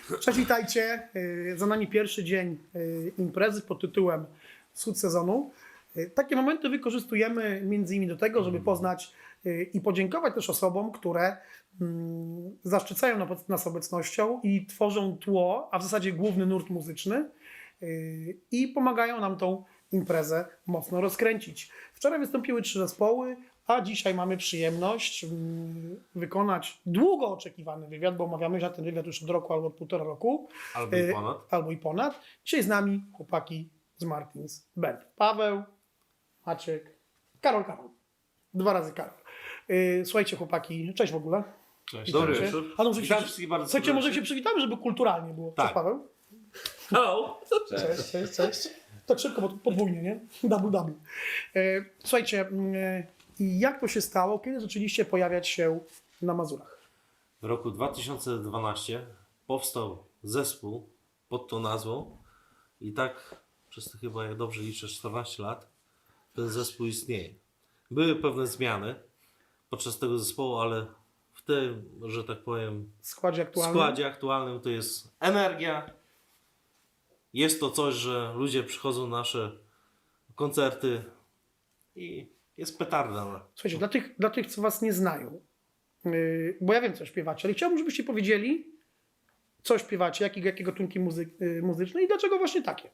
Cześć, witajcie. Za nami pierwszy dzień imprezy pod tytułem Wschód sezonu. Takie momenty wykorzystujemy między innymi do tego, żeby poznać i podziękować też osobom, które zaszczycają nas obecnością i tworzą tło, a w zasadzie główny nurt muzyczny i pomagają nam tą imprezę mocno rozkręcić. Wczoraj wystąpiły 3 zespoły, a dzisiaj mamy przyjemność wykonać długo oczekiwany wywiad, bo omawiamy się ten wywiad już od roku albo od 1,5 roku. Albo i ponad. Albo i ponad. Dzisiaj z nami chłopaki z Martins Band. Paweł, Maciek, Karol. 2 razy Karol. Słuchajcie chłopaki, cześć w ogóle. Cześć. Witajcie. Dobry wieczór. A no, może Witam się, wszystkich bardzo słuchajcie, może serdecznie. się przywitamy, żeby kulturalnie było. Tak. Cześć Paweł. Hello. Cześć. Tak szybko, bo podwójnie, nie? Double. Słuchajcie, jak to się stało, kiedy zaczęliście pojawiać się na Mazurach? W roku 2012 powstał zespół pod tą nazwą i tak przez to chyba, jak dobrze liczę, 14 lat ten zespół istnieje. Były pewne zmiany podczas tego zespołu, ale w tym, że tak powiem, W składzie w aktualnym? składzie aktualnym to jest energia. Jest to coś, że ludzie przychodzą na nasze koncerty i jest petarda. Słuchajcie, dla tych, co was nie znają, bo ja wiem, co śpiewacie, ale chciałbym, żebyście powiedzieli, co śpiewacie, jakie gatunki muzyczne i dlaczego właśnie takie.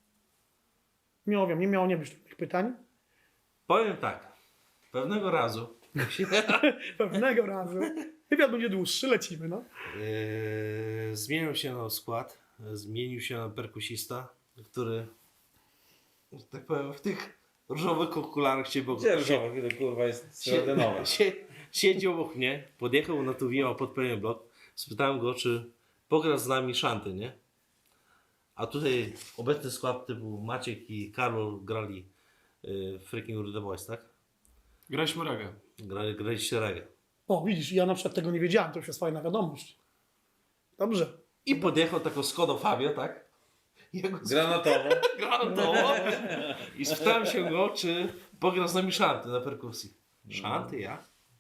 Nie miało nie być takich pytań. Powiem tak, pewnego razu Pewnego razu. Wywiad będzie dłuższy, lecimy, no. zmienił się na skład, zmienił się na perkusista, który, że tak powiem, w tych różowych okularach się Gdzie różowe, to kurwa jest srebrnowe. siedzi obok mnie, podjechał na Tuwima pod pewien blok, spytałem go, czy pogra z nami szanty, nie? A tutaj obecny skład typu Maciek i Karol grali Freaking Rude Boys, tak? Graliśmy reggae. Graliście reggae. O, widzisz, ja na przykład tego nie wiedziałem, to już jest fajna wiadomość. Dobrze. I podjechał taką Skodą Fabio, tak? Granatowo. Granatowo. I spytałem się go, czy pogra z nami szanty na perkusji. Szanty, ja?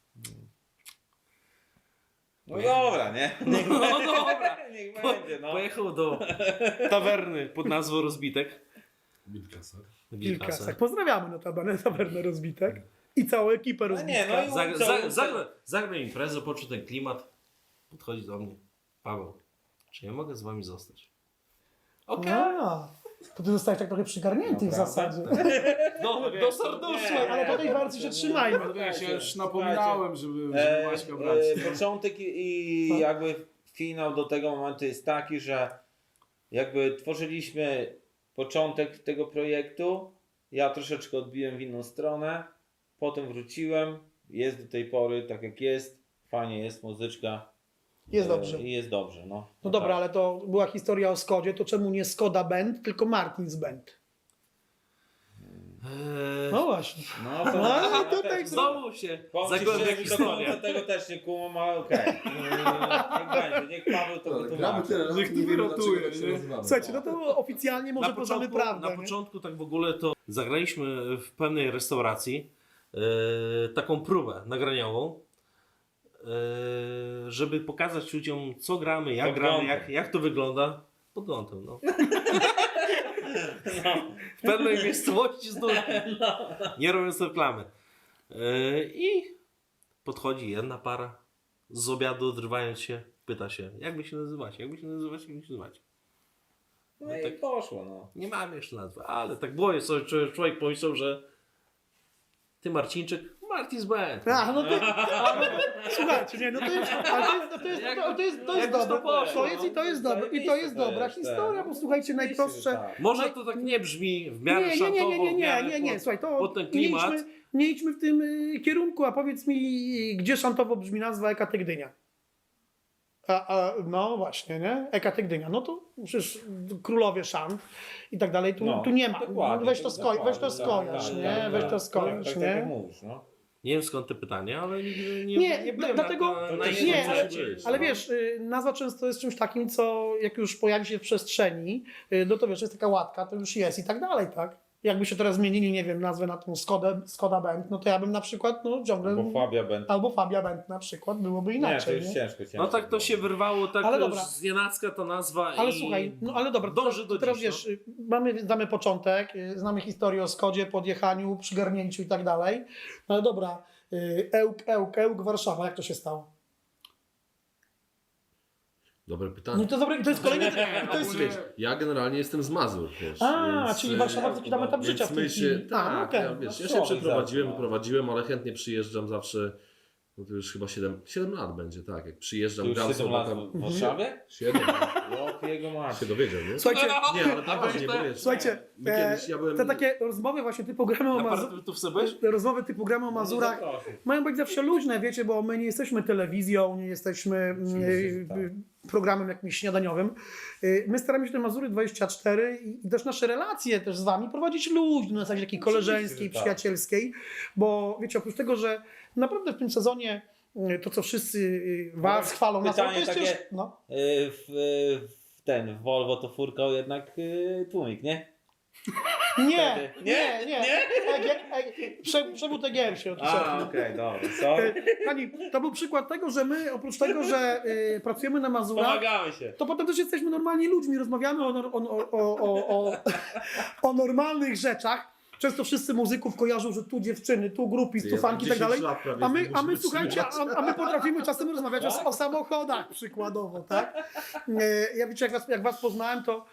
No dobra, nie? Niech, No dobra. niech będzie, no. Pojechał do tawerny pod nazwą Rozbitek. Kilkaset. Pozdrawiamy notabene tawernę Rozbitek i całą ekipę No nie, Rozbitka. no i Zagrał imprezę, poczuł ten klimat. Podchodzi do mnie. Paweł, czy ja mogę z wami zostać? Okej. A, to ty zostałeś tak trochę przygarnięty w Prawda? zasadzie. No, do serduszka. Słuchaj, ale po tej walce się trzymajmy. Ja się już napominałem, żeby Maćka brać. Początek i jakby finał do tego momentu jest taki, że jakby tworzyliśmy początek tego projektu, ja troszeczkę odbiłem w inną stronę, potem wróciłem, jest do tej pory tak jak jest, fajnie jest, muzyczka. Jest dobrze. I jest dobrze, no. No dobra, tak. ale to była historia o Skodzie, to czemu nie Skoda Band, tylko Martins Band? No właśnie. No to No, tutaj Znowu się Powiem ci zagłębia szczerze, że historia. do tego też nie kumam, ale okej. Niech będzie, niech Paweł to Gramy wytłumaczy. tyle razy, Niech nie wiemy rotuje, dlaczego tak się nie? nazywamy. Słuchajcie, no to oficjalnie może poznamy prawdę. Na nie? początku tak w ogóle to zagraliśmy w pewnej restauracji taką próbę nagraniową, żeby pokazać ludziom, co gramy, jak Podglądem. gramy, jak to wygląda. Pod kątem, no. W pewnej miejscowości znów, nie robiąc reklamy. I podchodzi jedna para z obiadu, odrywając się, pyta się, jak wy się nazywacie, jak wy się nazywacie. No i poszło, no. Nie mamy jeszcze nazwy, ale tak było, sobie człowiek pomyślał, że ty Marcinczyk, Martins Band. A, no to, słuchajcie, nie, no to jest, ale to jest Jakoś to dobre. poszło, To jest i to jest dobre. I to jest dobra historia, bo słuchajcie, najprostsze. Tak. Może to tak nie brzmi w miarę szantowo, w miarę Nie, słuchaj, to pod ten klimat. nie idźmy w tym kierunku, a powiedz mi, gdzie szantowo brzmi nazwa Ekaty Gdynia? No właśnie, nie? Ekaty Gdynia, no to przecież królowie szant i tak dalej, tu nie ma. Dokładnie, Weź to skojarz, tak, nie? tak, Weź to tak, skojarz, tak, nie? Tak jak mówisz, no. Nie wiem skąd te pytania, ale nigdy Nie, byłem dlatego- na nie, innym ale- świecie. Ale wiesz, nazwa często jest czymś takim, co jak już pojawi się w przestrzeni, no to wiesz, jest taka łatka, to już jest i tak dalej, tak? jakby się teraz zmienili, nie wiem, nazwę na tą Skoda Band, no to ja bym na przykład, no ciągle... Bo Fabia Band. Albo Fabia Band na przykład, byłoby Nie, inaczej. to już ciężko. No tak to się wyrwało tak Ale już dobra. z nienacka ta nazwa Ale i słuchaj, no ale dobra, dąży do teraz dziś, wiesz, znamy początek, znamy historię o Skodzie, podjechaniu, przygarnięciu i tak dalej, no ale dobra, Ełk, Warszawa, jak to się stało? Dobre No pytanie. i to, to jest kolejny... To jest, Ogólnie- Ja generalnie jestem z Mazur, wiesz. więc, czyli Warszawa to taki tam etap życia w tej my się, chwili. tak, okej. ja, wiesz, ja No, się przeprowadziłem, tak. wyprowadziłem, ale chętnie przyjeżdżam zawsze, no to już chyba 7 lat będzie, tak, jak To przyjeżdżam, już gram 7 sobie lat tam... w Warszawie? 7 O, jego się macie. dowiedział, nie? Słuchajcie, Nie, ale poważnie, bo wiesz, słuchajcie, my kiedyś, ja byłem... te takie rozmowy właśnie typu gramy o Mazurach, tu sobie? rozmowy typu gramy o Mazurach, mają być zawsze luźne, wiecie, bo my nie jesteśmy telewizją, nie jesteśmy programem jakimś śniadaniowym. My staramy się te Mazury 24 i też nasze relacje też z wami prowadzić luźno, na zasadzie takiej koleżeńskiej, że tak. przyjacielskiej, bo wiecie, oprócz tego, że naprawdę w tym sezonie to, co wszyscy was chwalą, nas, to pytanie jest takie- ciężko. No. W Volvo to furkał jednak tłumik, nie? Nie, Wtedy. nie, nie. Przewód EGM się odszedł. Okej, dobra, sorry. Pani, to był przykład tego, że my oprócz tego, że pracujemy na Mazurach, Pomagamy się. to potem też jesteśmy normalni ludźmi, rozmawiamy o normalnych rzeczach. Często wszyscy muzyków kojarzą, że tu dziewczyny, tu grupy, tu fanki i tak dalej. A my słuchajcie, a my potrafimy czasem rozmawiać o samochodach przykładowo, tak? Ja wiecie, jak was poznałem, to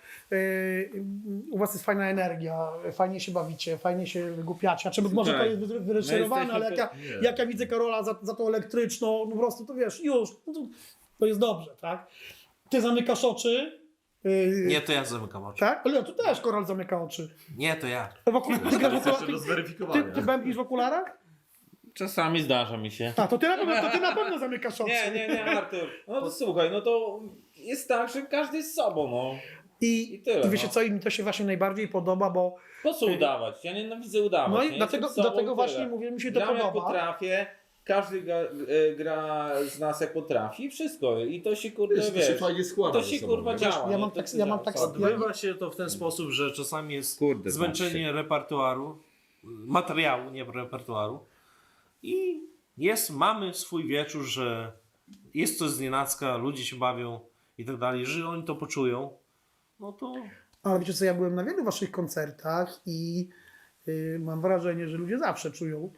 u was jest fajna energia, fajnie się bawicie, fajnie się wygłupiacie. Znaczy, może to jest wyreżyserowane, ale jak ja widzę Karola za tą elektryczną, no po prostu to wiesz, już, no to jest dobrze, tak? Ty zamykasz oczy. Nie, to ja zamykam oczy. Tak? Ale tu też Koral zamyka oczy. Nie, to ja. Ty grasz w Jeszcze do okularach? zweryfikowania. Ty bębnisz w okularach? Czasami zdarza mi się. A, to ty na pewno zamykasz oczy. Nie, Artur. No to słuchaj, no to jest tak, że każdy jest sobą, no. I tyle, I wiecie no. co, i mi to się właśnie najbardziej podoba, bo Po co udawać? Ja nienawidzę udawać. no nie? i dlatego Jestem sobą i właśnie tyle. mówię, mi się to Gram jak podoba. potrafię, każdy gra z nas jak potrafi i wszystko. I to się kurde, Wiesz, to się wiesz, fajnie składa to ze się sobą, kurwa nie? działa. Ja nie? mam To tak- się ja mam działa. tak- Odbywa się to w ten sposób, że czasami jest Kurde, zmęczenie repertuaru, materiału, nie repertuaru. I mamy swój wieczór, że jest coś znienacka, ludzie się bawią i tak dalej. Jeżeli oni to poczują, no to Ale wiecie co, ja byłem na wielu waszych koncertach i mam wrażenie, że ludzie zawsze czują.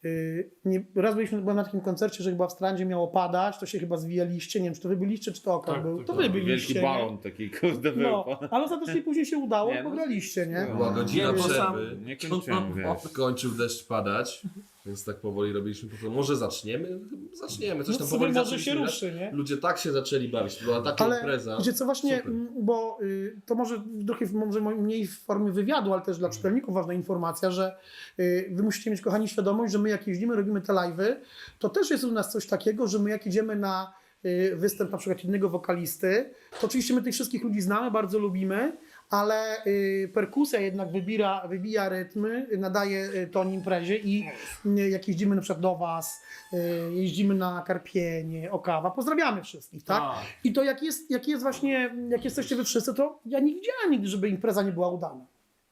Raz byłem na takim koncercie, że chyba w Strandzie miało padać, to się chyba zwijaliście, nie wiem, czy to wy byliście, czy to Okan Tak, był. tak, To tak. wy byliście, Wielki nie? balon taki kurde był. No, ale ostatecznie później się udało, Nie, no, pograliście, nie? no. Była godzina Nie, bo sam- przerwy, Nie kończyłem, wiesz. kończył deszcz padać, więc tak powoli robiliśmy, może zaczniemy? Zaczniemy, coś No tam sobie powoli może się zaczęliśmy grać. ruszy, nie? Ludzie tak się zaczęli bawić, to była taka Ale impreza. wiecie co, właśnie, Super. bo to może trochę może mniej w formie wywiadu, ale też dla czytelników ważna informacja, że wy musicie mieć, kochani, świadomość, że my jak jeździmy, robimy te live'y, to też jest u nas coś takiego, że my jak idziemy na występ na przykład innego wokalisty, to oczywiście my tych wszystkich ludzi znamy, bardzo lubimy, ale perkusja jednak wybija rytmy, nadaje ton imprezie i jak jeździmy na przykład do was, jeździmy na Karpienie, Okawa, pozdrawiamy wszystkich, tak? Tak. I to jak jest właśnie, jak jesteście wy wszyscy, to ja nie widziałem nigdy, żeby impreza nie była udana.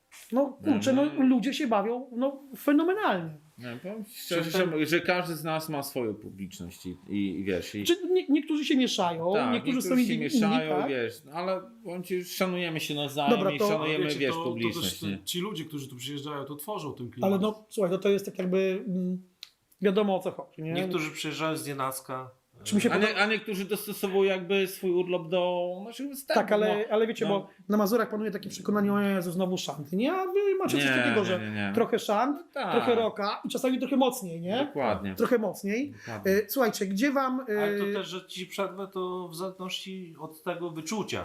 No kurczę, no ludzie się bawią no fenomenalnie. Nie, powiem ci szczerze, że każdy z nas ma swoją publiczność i wiesz. I, Czy niektórzy się mieszają, tak, niektórzy są się inni, mieszają, tak? wiesz, ale powiem ci, szanujemy się nawzajem Dobra, i to- szanujemy, Wiecie, wiesz, to publiczność. też nie? ci ludzie, którzy tu przyjeżdżają, to tworzą ten klimat. Ale no słuchaj, to jest tak jakby wiadomo o co chodzi, nie? niektórzy przyjeżdżają z nienacka. Czy mi się A niektórzy dostosowują jakby swój urlop do naszych występów. Tak, ale wiecie, no. bo na Mazurach panuje takie przekonanie, o Jezu, znowu szanty, nie? A wy macie coś Nie, takiego, nie, że nie. trochę szant, Tak. trochę rocka i czasami trochę mocniej, nie? Dokładnie. Trochę mocniej. Dokładnie. Słuchajcie, gdzie wam... Ale to też, że ci przerwę to w zależności od tego wyczucia,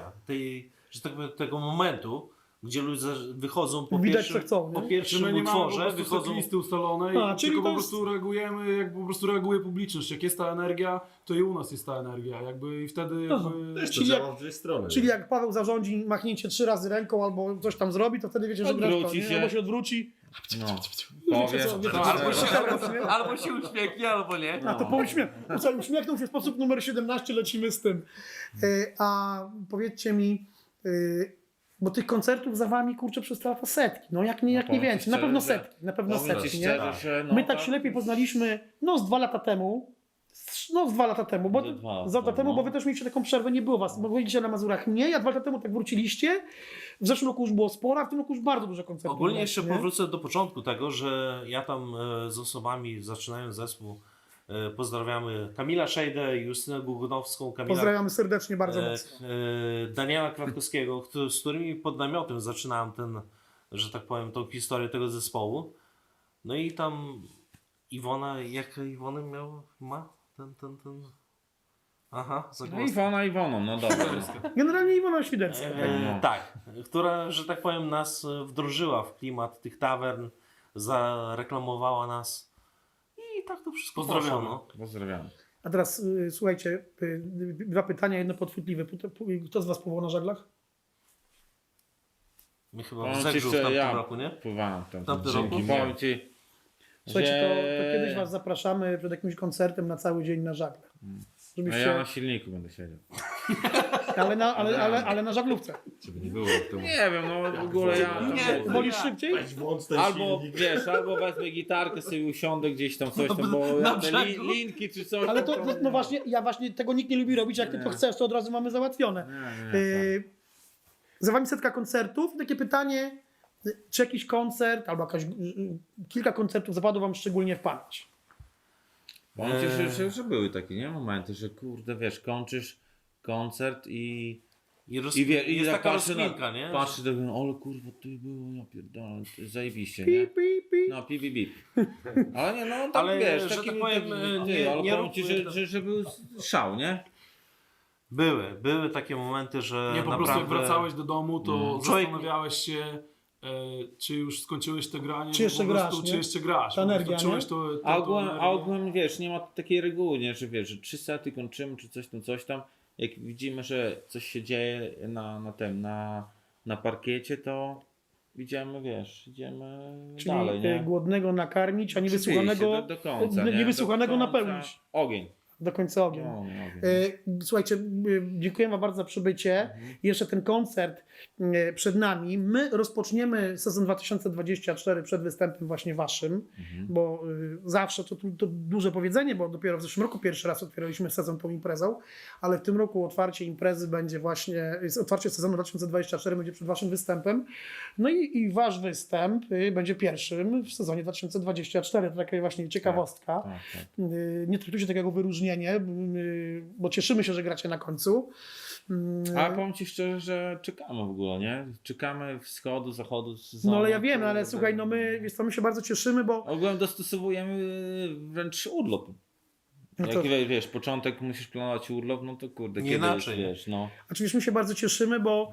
że tak powiem, tego momentu, gdzie ludzie wychodzą po Widać, pierwszym, co chcą, nie? po Czy pierwszym my nie mamy po utworze, prostu wychodzą... listy ustalonej, A, czyli tylko to po jest- prostu reagujemy, jak po prostu reaguje publiczność. Jak jest ta energia, to i u nas jest ta energia. Jakby i wtedy No, jakby... Też to Czyli działa w dwie strony. Czyli jak Paweł zarządzi machnięcie 3 razy ręką albo coś tam zrobi, to wtedy wiecie, że grasz to, Odwróci nie? się. Albo się odwróci. No. Wiecie Powie, co, wiecie tak. co, Albo się, nie? albo się uśmiechnie, albo nie. A to po uśmiechnął się w sposób numer 17, lecimy z tym. A powiedzcie mi, Bo tych koncertów za wami, kurczę, przez te lata setki. No jak nie powiem ci więcej. Na szczerze, pewno że- setki. Na pewno Powiem ci setki, nie? szczerze, że no My tak się lepiej poznaliśmy, no z 2 lata temu. No z 2 lata temu, bo Ze 2 lata za lata temu, temu, no. bo wy też mieliście taką przerwę, nie było was, bo byliście na Mazurach nie, ja 2 lata temu tak wróciliście, w zeszłym roku już było sporo, a w tym roku już bardzo dużo koncertów. Ogólnie było, jeszcze nie? powrócę do początku tego, że ja tam z osobami, zaczynając zespół, pozdrawiamy Kamila Szejdę, Justynę Gugunowską, Kamila Pozdrawiamy serdecznie, bardzo mocno. Daniela Kwiatkowskiego, z którymi pod namiotem zaczynałem że tak powiem, tą historię tego zespołu. No i tam Iwona, jak Iwony ma? Ten. Aha, No zagłosowałem. Iwoną, no dobra. Generalnie Iwona Świderska. no. Tak, która, że tak powiem, nas wdrożyła w klimat tych tawern, zareklamowała nas i tak to wszystko Pozdrawiamy. poszło, no. Pozdrawiam. A teraz słuchajcie, 2 pytania, jedno podchwytliwe. Kto z was pływał na żaglach? My chyba Powiem w ci, Zegrzu w że tamtym ja roku, nie? pływałem tam. Tamty Dzięki. roku? Powiem ci, Słuchajcie, to że- kiedyś was zapraszamy przed jakimś koncertem na cały dzień na żaglach. A Żebyście, ja na silniku będę siedział. ale na żaglówce. Żeby nie było to... Nie wiem, no w ogóle ja... Nie, Wolisz szybciej? włącz ten Albo wiesz, albo wezmę gitarkę, sobie usiądę gdzieś tam coś tam, bo na ja te brzegu. linki czy coś. Ale tam, no właśnie, ja właśnie tego nikt nie lubi robić, jak ty to chcesz, to od razu mamy załatwione. Nie, Za wami setka koncertów. Takie pytanie, czy jakiś koncert albo kilka koncertów zapadło wam szczególnie w pamięć? Powiem ci, że były takie nie momenty, że kurde, wiesz, kończysz koncert i Jest tak taka patrzę rozkminka, nie? Patrzę, tak, ale kurwa, to było, ja pierdolę, to zajebiście, nie? Pip, pip, pip. No, pip, pip, pip. Ale nie, no tak Ale, wiesz, że taki, tak powiem, ale nie powiem ci, róbmy że był szał, nie? Były takie momenty, że Nie, po naprawdę... prostu jak wracałeś do domu, to Człowiek- zastanawiałeś się, czy już skończyłeś te granie, Czy jeszcze po prostu, grasz, nie? czy jeszcze grasz. Ta Po prostu energia, czułeś nie? to, A to ogółem, energię. wiesz, nie ma takiej reguły, nie, że wiesz, że 3 sety kończymy, czy coś tam. Jak widzimy, że coś się dzieje na parkiecie, to idziemy, wiesz, idziemy Czyli dalej, nie? głodnego nakarmić, a Oczywiście, niewysłuchanego, do końca, nie? niewysłuchanego Do końca. napełnić. Ogień. Do końca ogień. No, ogień. Słuchajcie, dziękuję wam bardzo za przybycie. Jeszcze ten koncert przed nami. My rozpoczniemy sezon 2024 przed występem właśnie waszym, bo zawsze to duże powiedzenie, bo dopiero w zeszłym roku pierwszy raz otwieraliśmy sezon tą imprezą, ale w tym roku otwarcie imprezy będzie właśnie, otwarcie sezonu 2024 będzie przed waszym występem. No i wasz występ będzie pierwszym w sezonie 2024. To taka właśnie ciekawostka. Tak. Nie traktujcie tego jako wyróżnienie, bo cieszymy się, że gracie na końcu. A powiem ci szczerze, że czekamy w ogóle, nie? Czekamy wschodu, zachodu, sezonu. No ale ja wiem, ale słuchaj, no my się bardzo cieszymy, bo Ogólnie dostosowujemy wręcz urlop. No Jak to- wiesz, początek musisz planować urlop, no to kurde, Nie kiedy inaczej. wiesz, no. oczywiście my się bardzo cieszymy, bo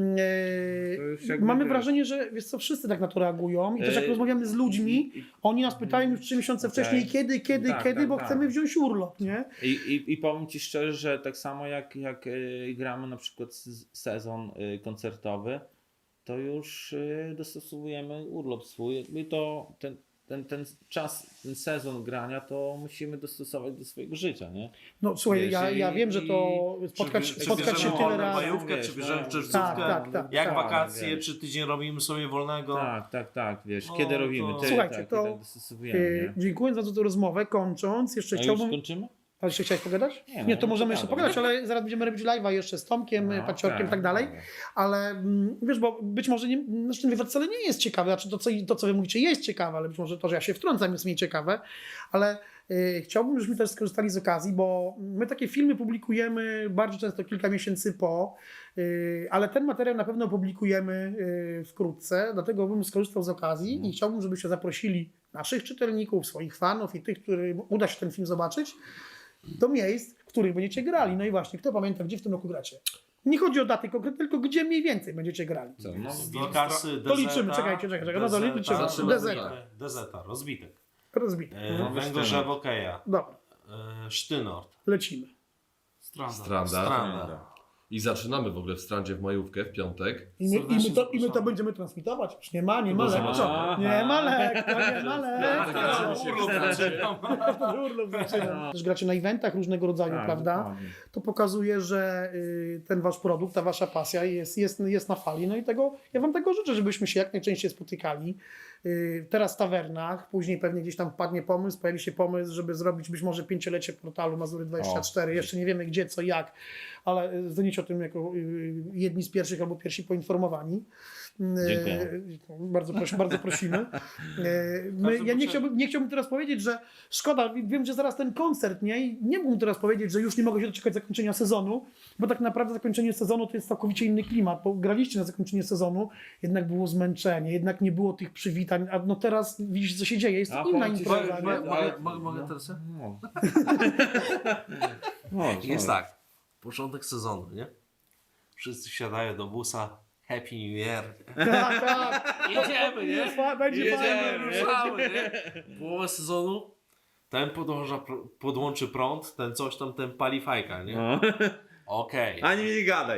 To już jakby mamy wiesz. wrażenie, że wiesz co, wszyscy tak na to reagują i też jak Ej, rozmawiamy z ludźmi, oni nas pytają już 3 miesiące Okej. wcześniej, kiedy, bo tak. chcemy wziąć urlop, nie? I powiem ci szczerze, że tak samo jak gramy na przykład sezon koncertowy, to już dostosowujemy urlop swój. Jakby to ten czas, ten sezon grania, to musimy dostosować do swojego życia, nie? No słuchaj, Wiesz, ja wiem, że to spotkać bierzemy się tyle wolną razy. majówkę, czy Wiesz, bierzemy no. czerwcówkę, Tak, jak tak. wakacje, wiesz. czy tydzień robimy sobie wolnego. Tak, wiesz, No, kiedy robimy, to- ty, Słuchajcie, tak, to, tak dostosowujemy, nie? Dziękuję za tę rozmowę. Kończąc, jeszcze A już chciałbym... skończymy? Ale jeszcze chciałeś pogadać? Nie, no, Nie, to no możemy to jeszcze gadam. pogadać, ale zaraz będziemy robić live'a jeszcze z Tomkiem, No, Paciorkiem i tak tak, dalej. dobra. Ale wiesz, bo być może znaczy ten wywiad wcale nie jest ciekawy, znaczy to, co wy mówicie, jest ciekawe, ale być może to, że ja się wtrącam, jest mniej ciekawe. Ale chciałbym, żebyśmy też skorzystali z okazji, bo my takie filmy publikujemy bardzo często kilka miesięcy po, ale ten materiał na pewno publikujemy wkrótce, dlatego bym skorzystał z okazji i chciałbym, żebyście zaprosili naszych czytelników, swoich fanów i tych, którym uda się ten film zobaczyć, do miejsc, w których będziecie grali. No i właśnie, kto pamięta, gdzie w tym roku gracie? Nie chodzi o daty konkretne, tylko gdzie mniej więcej będziecie grali. Co, no, Wilkasy, To liczymy, czekajcie, no to liczymy. Zaczynamy. Dezeta, rozbitek. Rozbite. Węgorzew Okeja, Dobra, Sztynort, lecimy. Stranda. Stranda. Stranda, I zaczynamy w ogóle w Strandzie w majówkę, w piątek. I my to będziemy transmitować. Już nie ma lekko. Nie ma lekko, nie ma lekko. Urlop zaczyna. Też gracie na eventach różnego rodzaju, prawda? Dokładnie. To pokazuje, że ten wasz produkt, ta wasza pasja jest na fali. No i ja wam tego życzę, żebyśmy się jak najczęściej spotykali. Teraz w tawernach, później pewnie gdzieś tam pojawi się pomysł, żeby zrobić być może 5-lecie portalu Mazury 24. Jeszcze nie wiemy gdzie, co, jak, ale zostaniecie o tym jako jedni z pierwszych albo pierwsi poinformowani. Dziękuję. Bardzo prosimy. Ja nie chciałbym teraz powiedzieć, że szkoda, wiem, że zaraz ten koncert, nie? I nie mógłbym teraz powiedzieć, że już nie mogę się doczekać zakończenia sezonu, bo tak naprawdę zakończenie sezonu to jest całkowicie inny klimat, bo graliście na zakończenie sezonu, jednak było zmęczenie, jednak nie było tych przywitań, a no teraz widzisz, co się dzieje, jest to inna impreza. nie? Mogę teraz? Jest Tak, początek sezonu, nie? Wszyscy wsiadają do busa, Happy New Year. Tak. Jedziemy, nie? Będzie fajnie. Ruszamy, nie? Połowa sezonu, ten podłączy prąd, ten coś tam, ten pali fajka, nie? No. Okej. Ani mi nie gadaj.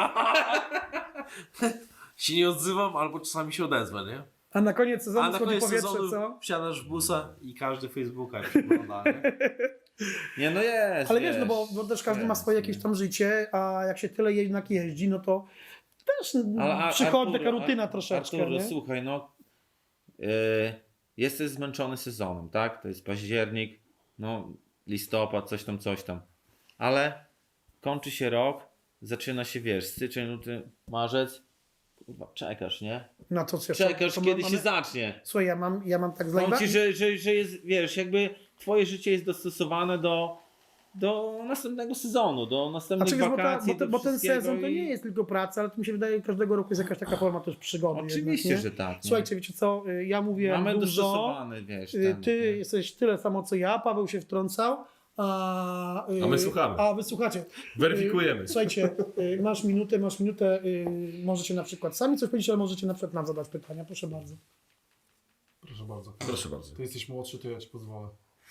Się nie odzywam, albo czasami się odezwę, nie? A na koniec A sezonu na schodzi koniec powietrze, sezonu co? wsiadasz w busa i każdy Facebooka przegląda, nie? Nie, no jest. Ale wiesz, no bo też każdy ma swoje jakieś tam życie, a jak się tyle jednak jeździ, no to też przychodzi taka rutyna troszeczkę, Artur, nie? słuchaj, no jesteś zmęczony sezonem, tak? To jest październik, no listopad, coś tam. Ale kończy się rok, zaczyna się, wiesz, styczeń, luty, marzec. Kurwa, czekasz, nie? Na to, co Czekasz, to kiedy mamy- się zacznie. Słuchaj, ja mam tak z Powiem live'a- ci, że jest, wiesz, jakby twoje życie jest dostosowane do następnego sezonu, do następnych Znaczy, wiesz, wakacji, do bo ten wszystkiego sezon to i- nie jest tylko praca, ale to mi się wydaje, że każdego roku jest jakaś taka forma też przygody. Oczywiście, jednak, nie? że tak. nie? Słuchajcie, wiecie co, ja mówię Mamy dużo, dostosowany, wiesz, ty nie? jesteś tyle samo co ja, Paweł się wtrącał, a my słuchamy. A wy słuchacie. Weryfikujemy. Słuchajcie, masz minutę, możecie na przykład sami coś powiedzieć, ale możecie na przykład nam zadać pytania, proszę bardzo. Proszę bardzo. Proszę bardzo. Ty jesteś młodszy, to ja ci pozwolę.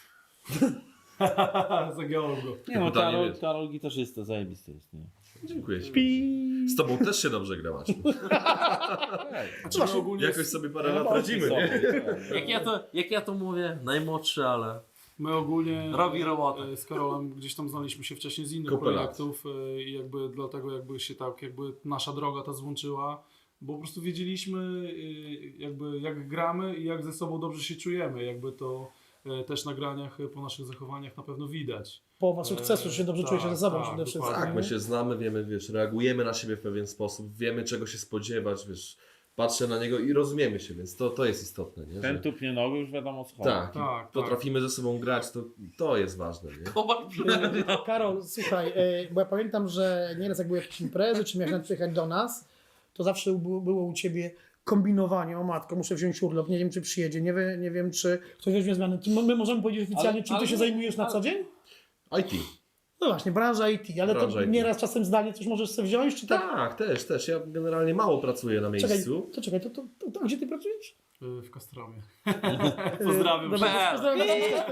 Zagiąłem go. Nie no, Pytanie jest. Karol gitarzysta, zajebisty jest, nie? Dziękuję ci. Pi. Z tobą też się dobrze gra, Maciu. Znaczy, my ogólnie, Jakoś sobie parę lat radzimy, nie? Jak ja to mówię, najmłodszy, ale my ogólnie robi robotę. z Karolem gdzieś tam znaliśmy się wcześniej z innych Kupę lat. projektów i jakby dlatego jakby się tak jakby nasza droga ta złączyła, bo po prostu wiedzieliśmy jakby jak gramy i jak ze sobą dobrze się czujemy, jakby to też na graniach po naszych zachowaniach na pewno widać. Połowa sukcesu, że się dobrze tak, czujecie ze sobą tak, przede wszystkim. dokładnie. Tak, my się znamy, wiemy, wiesz, reagujemy na siebie w pewien sposób, wiemy czego się spodziewać, wiesz, patrzę na niego i rozumiemy się, więc to jest istotne, nie? Ten Że, tupnie nogę już wiadomo co chodzi. tak, Tak, potrafimy ze sobą grać, to jest ważne, nie? Karol, słuchaj, bo ja pamiętam, że nieraz jak były jakieś imprezy, czy miałeś nawet przyjechać do nas, to zawsze było u Ciebie kombinowanie, o matko, muszę wziąć urlop, nie wiem czy przyjedzie, nie wiem czy ktoś weźmie zmiany. My możemy powiedzieć oficjalnie, czym Ty się zajmujesz na co dzień? IT. No właśnie, branża IT, ale Branża to IT. nieraz czasem zdalnie coś możesz sobie wziąć, czy tak? Tak, też. Ja generalnie mało pracuję na Czekaj, miejscu. to gdzie Ty pracujesz? W Kastromie. Pozdrawiam Dobra, wszystkich. pozdrawiam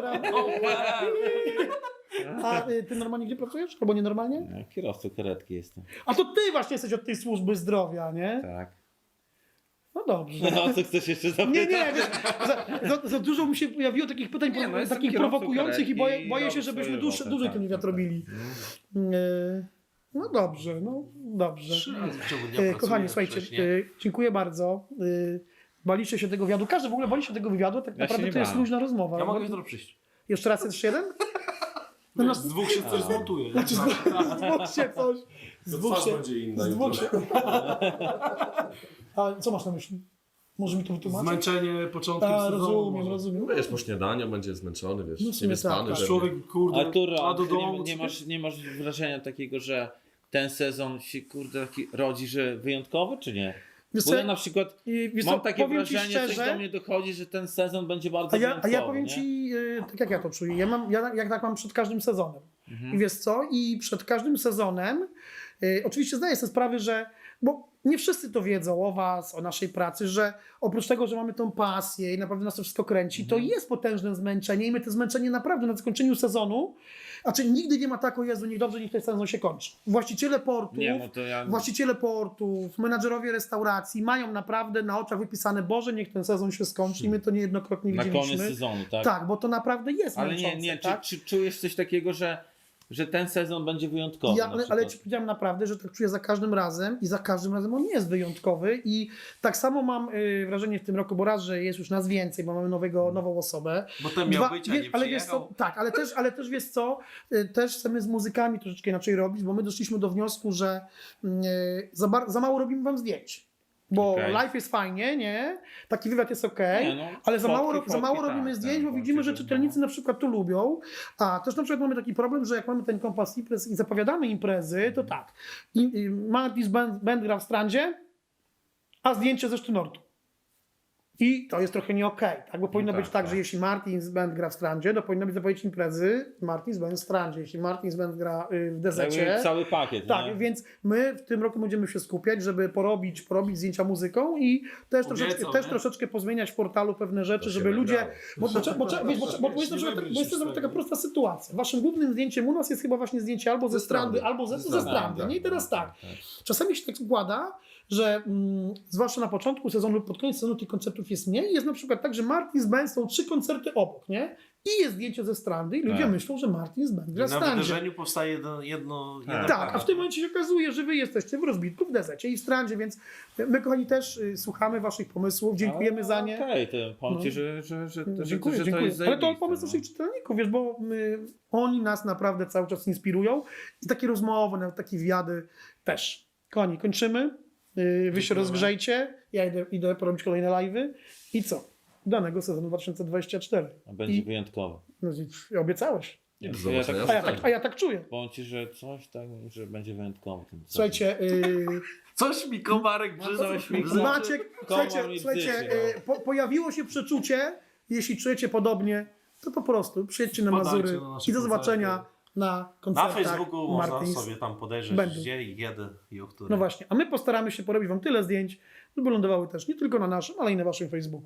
A Ty normalnie gdzie pracujesz? Albo nienormalnie? No, kierowcą karetki jestem. A to Ty właśnie jesteś od tej służby zdrowia, nie? Tak. No dobrze. No co chcesz jeszcze zapytać? Nie, wiesz, za dużo mi się pojawiło takich pytań Nie, no, jestem takich kierowcą prowokujących i karetki boję i się, robię żebyśmy swoje dłużej roboty, ten wywiad tak. robili. No dobrze, dobrze. 3 razy w ciągu dnia pracuję Kochani, słuchajcie, wcześniej. dziękuję bardzo. Baliście się tego wywiadu. Każdy w ogóle bali się tego wywiadu, tak Ja się naprawdę nie to jest bałem. luźna rozmowa. Ja mogę jutro przyjść. Jeszcze raz jest jeden? No, Wiesz, z dwóch się coś zmontuje. nie? z dwóch się coś. Z dwóch się. będzie inna Z dwóch się. jutro. A co masz na myśli? Może mi to wytłumaczyć? Zmęczenie początkiem A, sezonu. rozumiem. Wiesz, po śniadaniu będzie zmęczony, wiesz, No w sumie niewyspany. tak. pewnie. Człowiek, kurde, Artur, a do a domu... nie masz wrażenia takiego, że ten sezon się kurde taki rodzi, że wyjątkowy, czy nie? Wiesz Bo co, ja na przykład wiesz mam co, takie powiem ci wrażenie, coś szczerze, do mnie dochodzi, że ten sezon będzie bardzo A ja wyjątkowy. powiem nie? Ci, tak jak ja to czuję. Ja tak mam przed każdym sezonem. Mhm. I wiesz co? I przed każdym sezonem Oczywiście zdaję sobie sprawę, że, bo nie wszyscy to wiedzą o was, o naszej pracy, że oprócz tego, że mamy tą pasję i naprawdę nas to wszystko kręci, to jest potężne zmęczenie i my to zmęczenie naprawdę na zakończeniu sezonu, znaczy nigdy nie ma tak, o Jezu, niech dobrze, niech ten sezon się kończy. Nie, no to ja... Właściciele portów, menadżerowie restauracji mają naprawdę na oczach wypisane, Boże, niech ten sezon się skończy i my to niejednokrotnie Na widzieliśmy. koniec sezonu, tak? Tak, bo to naprawdę jest Ale męczące, nie, tak? czy czujesz coś takiego, że ten sezon będzie wyjątkowy? Ja, na ale przykład? ci powiedziałem naprawdę, że tak czuję za każdym razem i za każdym razem on jest wyjątkowy i tak samo mam wrażenie w tym roku, bo raz, że jest już nas więcej, bo mamy nową osobę. Bo ten miał być, a nie ale wiesz co, przyjechał. tak, ale też wiesz co, też chcemy z muzykami troszeczkę inaczej robić, bo my doszliśmy do wniosku, że za mało robimy wam zdjęć. Bo Okej. live jest fajnie, nie? Taki wywiad jest okej, Nie, no, ale za fotki, mało tak, robimy tak, zdjęć, bo tak, widzimy, że oczywiście, czytelnicy na przykład to lubią. A też na przykład mamy taki problem, że jak mamy ten kompas imprez i zapowiadamy imprezy, to tak. Martis Band gra w Strandzie, a zdjęcie ze Sztynortu. I to jest trochę nie okej, tak? Bo powinno tak, być tak, tak. że jeśli Martins Band gra w Strandzie, to powinno być zapowiedź imprezy Martins Band w Strandzie. Jeśli Martins Band gra w Dezecie, Jakby cały pakiet, tak, nie? więc my w tym roku będziemy się skupiać, żeby porobić zdjęcia muzyką i też, Obiecał, nie? troszeczkę pozmieniać w portalu pewne rzeczy, To się żeby ludzie... wygrało. Bo jest na przykład taka prosta sytuacja. Waszym głównym zdjęciem u nas jest chyba właśnie zdjęcie albo ze Strandy, albo ze Strandy. Nie? I teraz tak. Czasami się tak składa, że zwłaszcza na początku sezonu lub pod koniec sezonu tych koncertów jest mniej. Jest na przykład tak, że Martins Band są 3 koncerty obok, nie? I jest zdjęcie ze Strandy i ludzie Tak. myślą, że Martins Band gra w Na Strandzie. wydarzeniu powstaje jeden Tak, a w tym momencie się okazuje, że wy jesteście w Rozbitku, w Dezecie i w Strandzie, więc my, kochani, też słuchamy waszych pomysłów, dziękujemy za nie. Okej, to powiem ci, No. że Dziękuję, to dziękuję. jest Ale to zajebiste, pomysł no. naszych czytelników, wiesz, bo oni nas naprawdę cały czas inspirują i takie rozmowy, nawet takie wywiady też. Kochani, kończymy, wy się rozgrzejcie, ja idę porobić kolejne live'y i co? Danego sezonu 2024. A będzie wyjątkowy. No, obiecałeś. Do Ja zobaczenia. A ja tak czuję. Powiem ci, że coś tak, że będzie wyjątkowy. Ten sezon. Słuchajcie, Coś mi komarek coś mi brzydzą. Maciek, słuchajcie, pojawiło się przeczucie, jeśli czujecie podobnie, to po prostu przyjedźcie na Wpadajcie Mazury na nasze i do zobaczenia koncerty. na Na koncertach Facebooku można Martins. sobie tam podejrzeć, Będą. gdzie i kiedy i o której. No właśnie, a my postaramy się porobić wam tyle zdjęć, żeby lądowały też nie tylko na naszym, ale i na waszym Facebooku.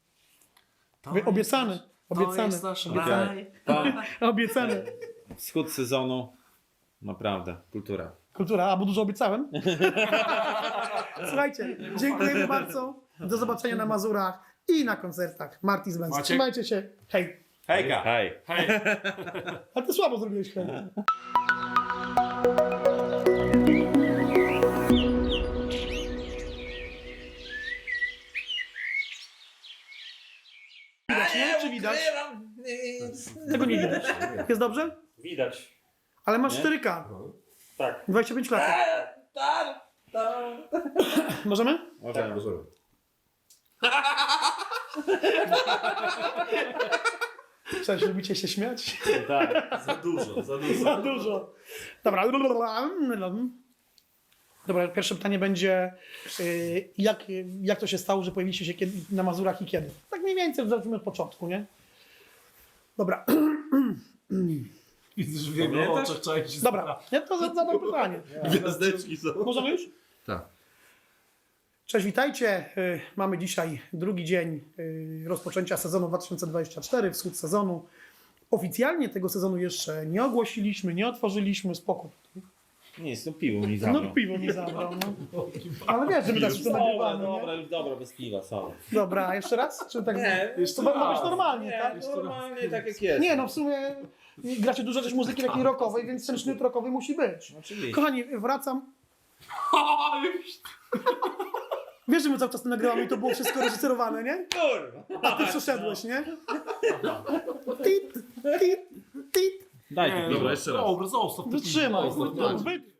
Obiecane, obiecane, jest nasz obiecane, raj. obiecane. Wschód sezonu, naprawdę, kultura. Kultura, a bo dużo obiecałem? Słuchajcie, dziękujemy bardzo. Do zobaczenia na Mazurach i na koncertach Martins Band. Maciek? Trzymajcie się. Hej. Hejka! Hej. Hej! Ale ty słabo zrobiłeś hej. Widać, nie? Czy widać? Tego nie widać. Jest dobrze? Widać. Ale masz Nie? 4K. Tak. 25 lat. Możemy? Możemy. Możemy. Cześć, lubicie się śmiać? Tak. Za dużo, za dużo. Za dużo. Dobra. Dobra, pierwsze pytanie będzie, jak to się stało, że pojawiliście się na Mazurach i kiedy? Tak mniej więcej, zacznijmy od początku, nie? Dobra, Widzisz w jego oczach czaić. dobra, ja to zadam pytanie. Gwiazdeczki są. Możemy już? Tak. Cześć, witajcie. Mamy dzisiaj drugi dzień rozpoczęcia sezonu 2024, wschód sezonu. Oficjalnie tego sezonu jeszcze nie ogłosiliśmy, nie otworzyliśmy, spokój. Nic, no piwo mi zabrał. No piwo mi zabrał, no. Ale wiesz, że my tak to nagrywamy, nie? Dobra, już dobra, bez piwa, sorry. Dobra, a jeszcze raz? Czy tak? Nie, to ma być normalnie, Nie, tak? normalnie tak jak jest. Nie, no w sumie gracie dużo też muzyki takiej rockowej, więc ten sznyt rockowy musi być. Oczywiście. Kochani, wracam. Wiesz, że my cały czas to nagrywamy i to było wszystko reżyserowane, nie? Kurwa. A ty przeszedłeś, nie? Tit, tit, tit. Daj tu piwo. Dobra, jeszcze raz. Dobra, zostaw to piwo. Wytrzymaj. Zostaw, tak. Wytrzymaj.